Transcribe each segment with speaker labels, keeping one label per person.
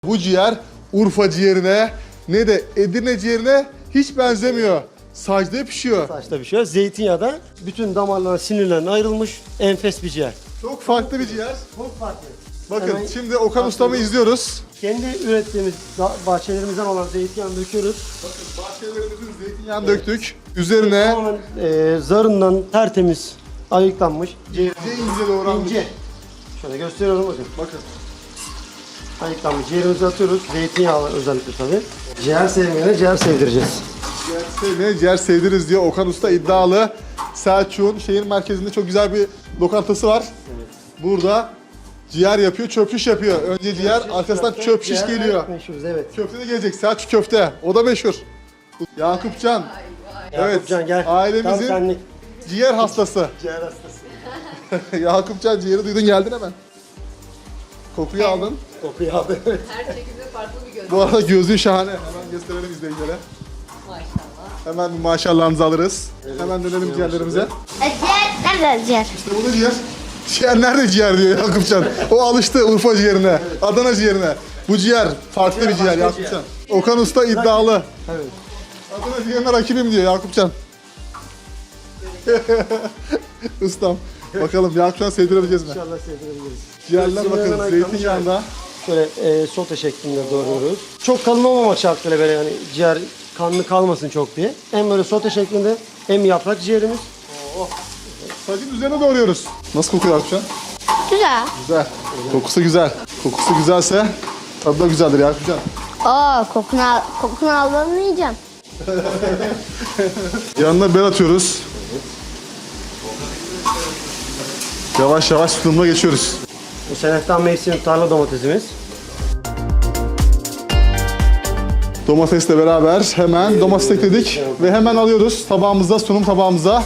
Speaker 1: Bu ciğer Urfa ciğerine ne de Edirne ciğerine hiç benzemiyor. Sacda pişiyor.
Speaker 2: Saçta pişiyor. Zeytinyağda bütün damarların, sinirlerine ayrılmış enfes bir ciğer.
Speaker 1: Çok farklı bir ciğer.
Speaker 2: Çok farklı.
Speaker 1: Bakın
Speaker 2: Hemen
Speaker 1: şimdi Okan Ustam'ı izliyoruz.
Speaker 2: kendi ürettiğimiz bahçelerimizden olan zeytinyağını döküyoruz.
Speaker 1: Bakın bahçelerimizin zeytinyağını döktük. Üzerine
Speaker 2: Tamamen zarından tertemiz ayıklanmış.
Speaker 1: ince ince doğranmış.
Speaker 2: İnce. Şöyle gösteriyorum bakın.
Speaker 1: Bakın.
Speaker 2: Ayıklanmış ciğerimizi atıyoruz. Zeytinyağlı özellikle tabii. Ciğer sevmeyene ciğer sevdireceğiz.
Speaker 1: Ciğer sevmeyen ciğer sevdiriz diyor Okan Usta iddialı. Selçuk'un şehir merkezinde çok güzel bir lokantası var.
Speaker 2: Evet.
Speaker 1: Burada ciğer yapıyor, çöp şiş yapıyor. Önce ciğer, arkasından çöp şiş
Speaker 2: Ciğer
Speaker 1: geliyor.
Speaker 2: meşhuruz, evet.
Speaker 1: Köfte de gelecek, Selçuk köfte. O da meşhur. Yakupcan. Evet,
Speaker 2: Yakupcan gel. Tam
Speaker 1: ailemizin
Speaker 2: senlik.
Speaker 1: ciğer hastası.
Speaker 2: Ciğer hastası.
Speaker 1: Yakupcan ciğeri duydun geldin hemen. Kokuyu aldın.
Speaker 2: Kokuyu aldı. Evet.
Speaker 3: Her şekilde farklı bir göz.
Speaker 1: Bu arada gözlüğün şahane. Hemen gösterelim izleyicilere.
Speaker 3: Maşallah.
Speaker 1: Hemen bir maşallahınızı alırız. Hemen dönelim ciğerlerimize.
Speaker 4: Ciğer nerede ciğer?
Speaker 1: İşte bu da ciğer. Ciğer nerede ciğer diyor Yakupcan. O alıştı Urfa ciğerine, Adana ciğerine. Bu ciğer farklı bir ciğer Yakupcan. Okan Usta iddialı.
Speaker 2: Evet.
Speaker 1: Adana ciğerine rakibim diyor Yakupcan. Ustam. Bakalım Yakupcan sevdirebileceğiz mi?
Speaker 2: İnşallah sevdirebiliriz.
Speaker 1: Ciğerler
Speaker 2: Zeytinyağından
Speaker 1: bakın
Speaker 2: ayıklanmış
Speaker 1: zeytinyağında.
Speaker 2: Şöyle sote şeklinde doğruyoruz. Çok kalın olmamak şartıyla böyle yani ciğer kanlı kalmasın çok diye. Hem böyle sote şeklinde hem yaprak ciğerimiz.
Speaker 1: Sacın üzerine doğruyoruz. Nasıl kokuyor Yakupcan?
Speaker 4: Güzel.
Speaker 1: Güzel. Kokusu güzel. Kokusu güzelse tadı da güzeldir Yakupcan.
Speaker 4: Kokunu almanı yiyeceğim.
Speaker 1: Yanına biber atıyoruz. Yavaş yavaş sunumuna geçiyoruz.
Speaker 2: Bu seneften mevsim tarla domatesimiz.
Speaker 1: Domatesle beraber hemen domates ekledik ve hemen alıyoruz tabağımıza, sunum tabağımıza.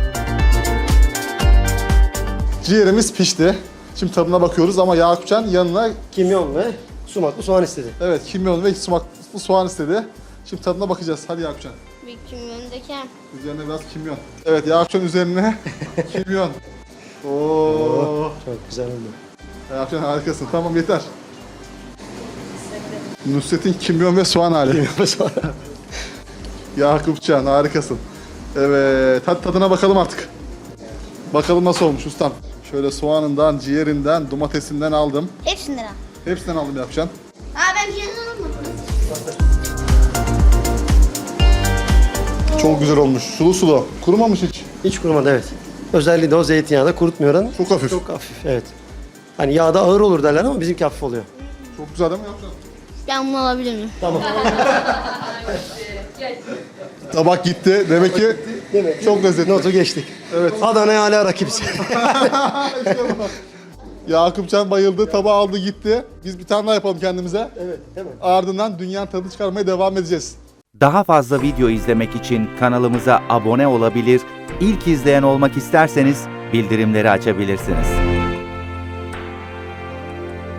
Speaker 1: Ciğerimiz pişti. Şimdi tadına bakıyoruz ama Yakupcan yanına
Speaker 2: Kimyon ve sumaklı soğan istedi.
Speaker 1: evet kimyon ve sumaklı soğan istedi. Şimdi tadına bakacağız. Hadi Yakupcan.
Speaker 4: Bir kimyondaki.
Speaker 1: Üzerine biraz kimyon. Evet Yakupcan üzerine kimyon. Oo.
Speaker 2: Çok güzel oldu.
Speaker 1: Yakupcan harikasın. Tamam yeter. Nusret'in kimyon ve soğan hali. Yakupcan harikasın. Evet, hadi tadına bakalım artık. Bakalım nasıl olmuş ustam. Şöyle soğanından, ciğerinden, domatesinden aldım.
Speaker 4: Hepsinden al.
Speaker 1: Hepsinden aldım Yakupcan.
Speaker 4: Ben ciğerinden almadım.
Speaker 1: Çok güzel olmuş. Sulu sulu. Kurumamış hiç.
Speaker 2: Hiç kurumadı, evet. Özelliği de o zeytinyağı kurutmuyor oranı.
Speaker 1: Çok hafif.
Speaker 2: Çok hafif, evet. Hani yağda ağır olur derler ama bizimki hafif oluyor.
Speaker 1: Çok güzel değil mi Yakupcan?
Speaker 4: Ben bunu alabilir miyim?
Speaker 2: Tamam.
Speaker 1: Tabak gitti. Demek ki çok lezzetli.
Speaker 2: Notu geçtik.
Speaker 1: Evet.
Speaker 2: Adana'ya hala rakibiz.
Speaker 1: Yakupcan bayıldı. Tabağı aldı gitti. Biz bir tane daha yapalım kendimize.
Speaker 2: Evet, değil mi?
Speaker 1: Ardından dünyanın tadını çıkarmaya devam edeceğiz.
Speaker 5: Daha fazla video izlemek için kanalımıza abone olabilir, ilk izleyen olmak isterseniz bildirimleri açabilirsiniz.